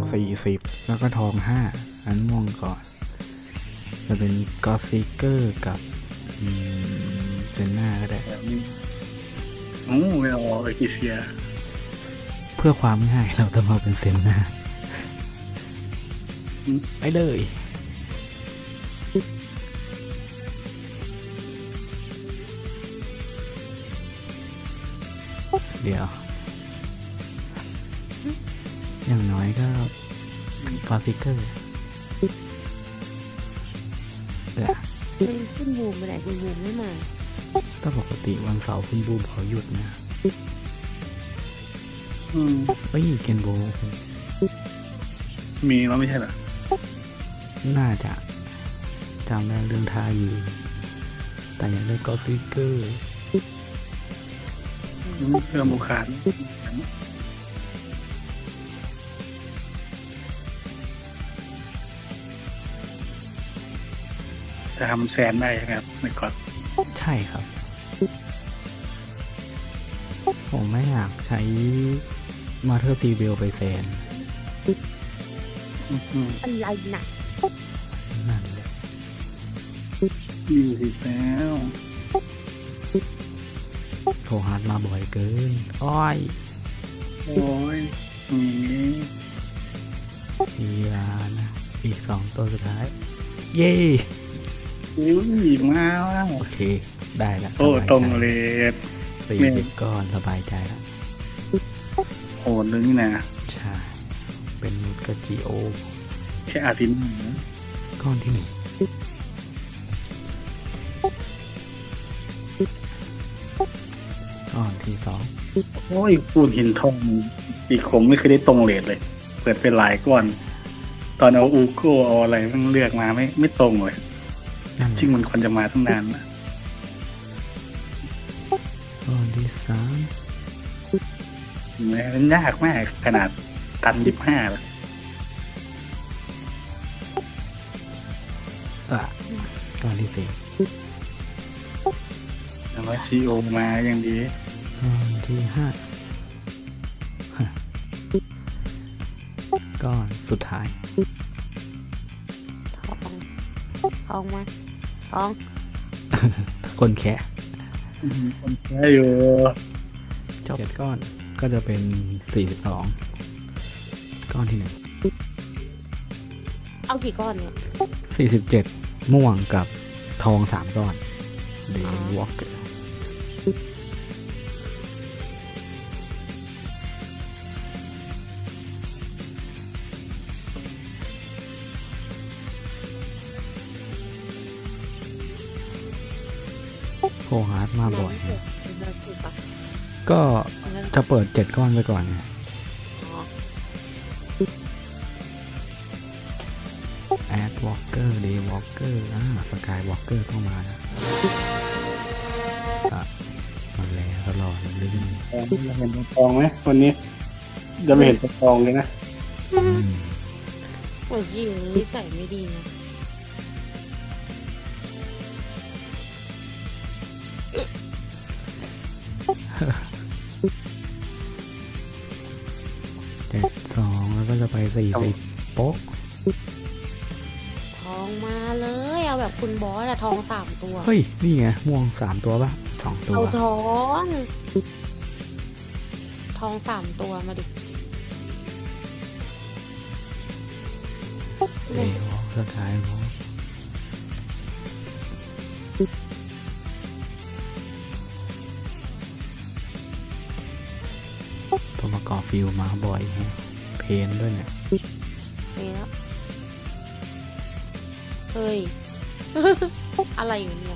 40แล้วก็ทอง5อันม่วงก่อนจะเป็นกอซิเกอร์กับเซนน่าก็ได้แบบนี้ไม่เอาไอคิเซียเพื่อความง่ายเราต้องมาเป็นเซนน่าไปเลยเดี๋ยวอย่างน้อยก็กอซิเกอร์เป็นคุณบูมไปไหนคุณบูมไม่มาถ้าปกติวันเสาร์คุณบูมเขาหยุดนะเฮ้ยเกนโบมีแล้วไม่ใช่เหรอน่าจะจำได้เรื่องทาอยู่แต่อยากได้กอซิเกอร์เพิ่มบุคคลจะทำแซนได้ครับในก่อนใช่ครับผมไม่อยากใช้มาเธอร์ซีเบลไปแซนอะไรหนักนั่นเลย 20แล้วโทรฮาร์ดมาบ่อยเกินอ้อยโอ้ยยานะอีก2ตัวสุดท้ายเย้มาแล้วโอเคได้แล้วโอ้ตรงเลย 40ก้อนสบายใจแล้วโหดเลยนี่นะใช่เป็นนุดกับจีโอแค่อาทิตย์ก้อนที่1ก้อนที่2 โอ้ยปูนหินทองอีกผมไม่เคยได้ตรงเลทเลยเปิดเป็นหลายก้อนตอนเอาอูโก้เอาอะไรมันเลือกมาไม่ตรงเลยจริงมันควรจะมาตั้งนานนะก้อนที่3 มันยากมากขนาดตัน25เลยก้อนที่4 แล้วก็ซีโอมาอย่างดีก้อนที่5ก้อนสุดท้ายทองมาทองคนแค่คนแค่อยู่จบ7ก้อนก็จะเป็น42ก้อนที่1 เอากี่ก้อนเนี่ย 47ม่วงกับทอง3ก้อนเดย์วอล์กเกอร์โทรฮาร์ดมาบ่อยก็จะเปิด7ก้อนไปก่อนแอดวอล์กเกอร์เดย์วอล์กเกอร์สกายวอล์กเกอร์ต้องมานะมันแล้วตลอดเลยเราเห็นทองไหมวันนี้จะไม่เห็นทองเลยนะโอ้ยยิงนิสัยไม่ดีนะ 72แล้วก็จะไป40โป๊ะทองมาเลยเอาแบบคุณบอสอะทอง3ตัวเฮ้ยนี่ไงม่วง3ตัวป่ะ2ตัวเอาทอง3ตัวมาดิเดี๋ยวสุดท้ายตัวประกอบฟิลมาบ่อยฮะเพนด้วยเนี่ยแล้วเฮ้ย อะไรอยู่เนี่ย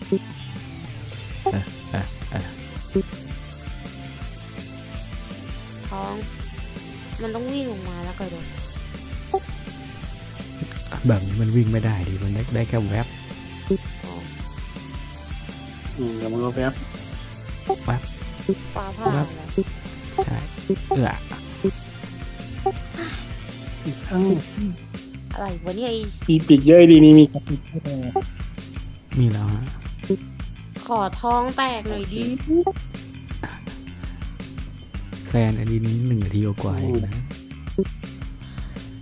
ท้องมันต้องวิ่งออกมาแล้วก็โดนแบบนี้มันวิ่งไม่ได้ดิมันได้แค่แวบแล้วมันก็แวบฟ้าผ่าใช่อะไรวะเนี่ยปีปิดเยอะดีนี่มีแล้วฮะขอท้องแตกหน่อยดิแซนอันนี้1 นาทีกว่าเองนะ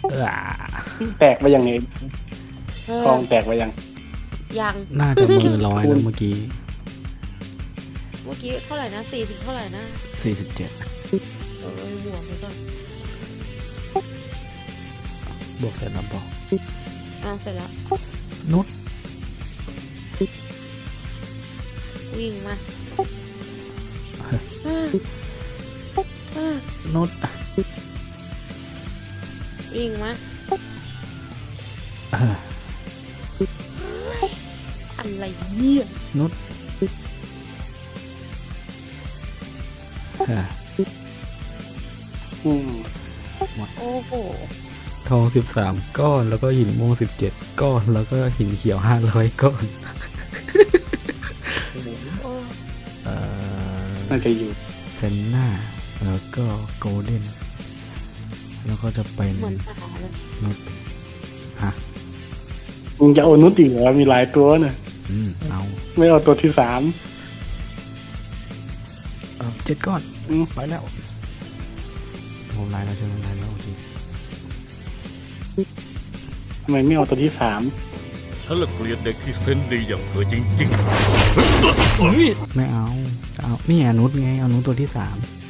เออแตกไปยังไงเออทองแตกไปยังยังน่าจะมือร้อยแล้วเมื่อกี้เมื่อกี้เท่าไหร่นะ40เท่าไหร่นะ 47 เออบวกไปก่อนบวกเสร็จแล้วบอกเสร็จแล้วนุชวิ่งมานุชวิ่งมาเอออะไรเนี่ยนุชเอออืมโอ้โหทอง13 ก้อนแล้วก็หินม่วง17 ก้อนแล้วก็หินเขียว500 ก้อนโอ้น่าจะอยู่เซนน่าแล้วก็โกลเด้นแล้วก็จะเป็นเหมือนหาเลยนุชฮะมึงจะเอานุชอีกเหรอมีหลายตัวน่ะเอาไม่เอาตัวที่ 3 7 ก้อนอืมไปแล้วผมไลน์แล้วใช่ไหมไลน์แล้วโอเคทำไมไม่เอาตัวที่ฉันละเกลียดเด็กที่เซนส์ดีอย่างเธอจริงไม่เอาจะเอานี่นุชไงเอานุชตัวที่ 3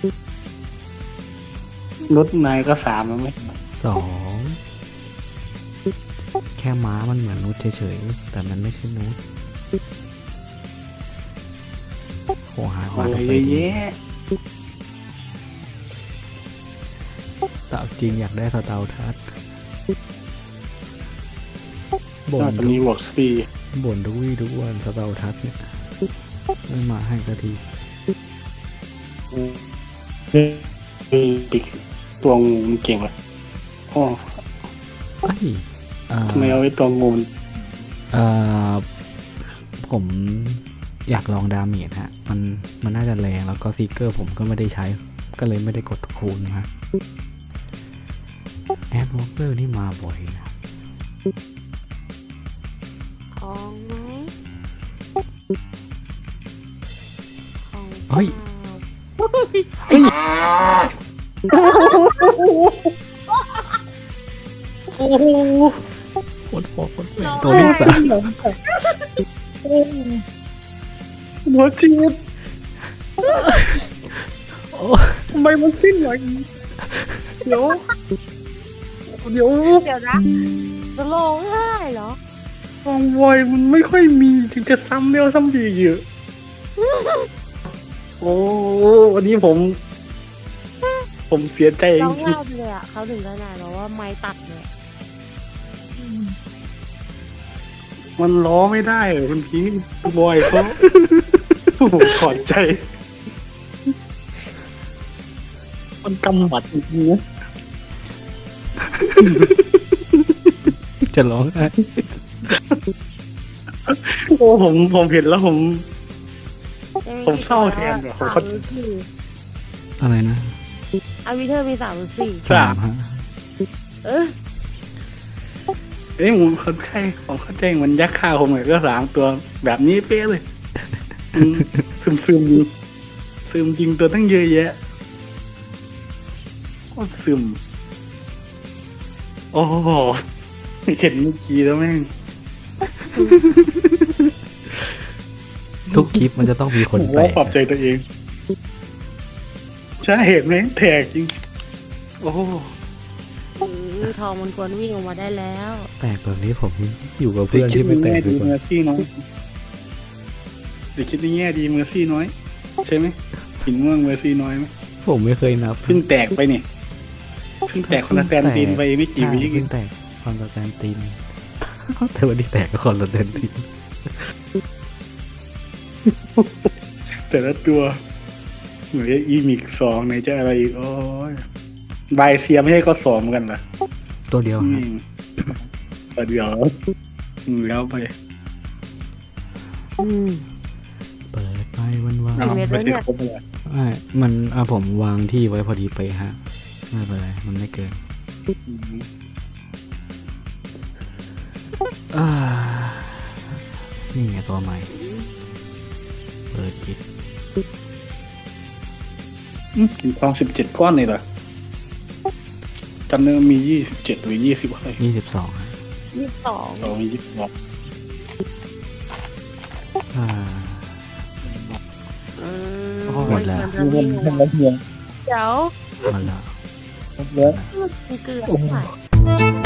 นุชนายก็3แล้วไหม 2แค่ม้ามันเหมือนนุชเฉยๆแต่มันไม่ใช่นุชโหหามาอะไรทำไมเยอะดีแยะแต่เอาจริงอยากได้สเตาทัสบ่นอน กจากนี้บวก4 บ่นทุกวี่ทุกวันสเตาทัสเนี่ยไม่มาให้สักทีอีกตัวงูมันเก่งเลยอ๋อเอ้ยทำไมเอาไว้ตัวงูมันผมอยากลองดาเมจฮะมันน่าจะแรงแล้วก็ซีเกอร์ผมก็ไม่ได้ใช้ก็เลยไม่ได้กดคูณฮะแอดวอล์กเกอร์นี่มาบ่อยนะของไหมของเฮ้ยโอ้โหคนพอคนแปลกตัวที่สามหัวชีดโอ้ทำไมมันสิ้นอย่างนี้เดี๋ยวเดี๋ยวนะจะร้องไห้เหรอฟองวอยมันไม่ค่อยมีถึงจะซ้ำเร็วซ้ำดีเยอะโอ้วันนี้ผมเสียใจจร้องริงไห้ไปเลยอ่ะเขาถึงขนาดแบบว่าไม้ตัดเลยๆมันล้อไม่ได้เลยคุณพี่บอยเขาโอ้โหถอดใจ มันกำหมัดจริงๆนะจะร้องไห้โอ้ผมเห็นแล้วผมเศร้าแทนอะผมเข้าอะไรนะอาวิเทอร์มี3 3ฮะเออเอ้ยผมเข้าใจเหมันยักษ์ข้าวผมเลยก็3 ตัวแบบนี้เป๊ะเลยอืมซึมอยู่ซึมจริงตัวตั้งเยอะแยะโคตรซึมโอ้โหเห็นเมื่อกี้แล้วแม่งทุกคลิปมันจะต้องมีคนผมแปลว่าก ปรับใจตัวเองใช่เห็นไหมแตกจริงโอ้โหทองมันควรวิ่งออกมาได้แล้วแปลกแบบนี้ผมอยู่กับเพื่อนที่ไม่แตกดีดีกเมอว่าร์ซี่น้อยเดี๋ยวคิดในแง่ดีเมอร์ซี่น้อยใช่ไหมหินม่วงเมอร์ซี่น้อยไหมผมไม่เคยนับเพิ่งแตกไปเนี่ยเพิ่งแตกคนละแตนตีนไปไม่กี่วิใช่เพิ่งแตกคอนสแตนติน แต่วันนี้แตกก็คอนสแตนตินแต่ละตัวเหมือนอีมิก2ไหนจะอะไรอีกโอ้ยบายเซียไม่ให้ก็2เหมือนกันเหรอตัวเดียวอืฮะมแต่เดี๋ยวแล้วไปเปิดไปวันเอาเม็ดไปแล้วเนี่ที่ยครบเลยๆไม่มันผมวางที่ไว้พอดีไปฮะไม่เป็นไรมันไม่เกิน อ่านี่ไงตัวใหม่ เปิดจิตกินทอง17 ก้อนเลยเหรอจำได้ว่ามี27หรือ20อะไร 22ฮะ 22 เรามี22 อ่า หมดแล้วมันจะมีหัวเดี๋ยวมาแล้วมันเกลือค่ะ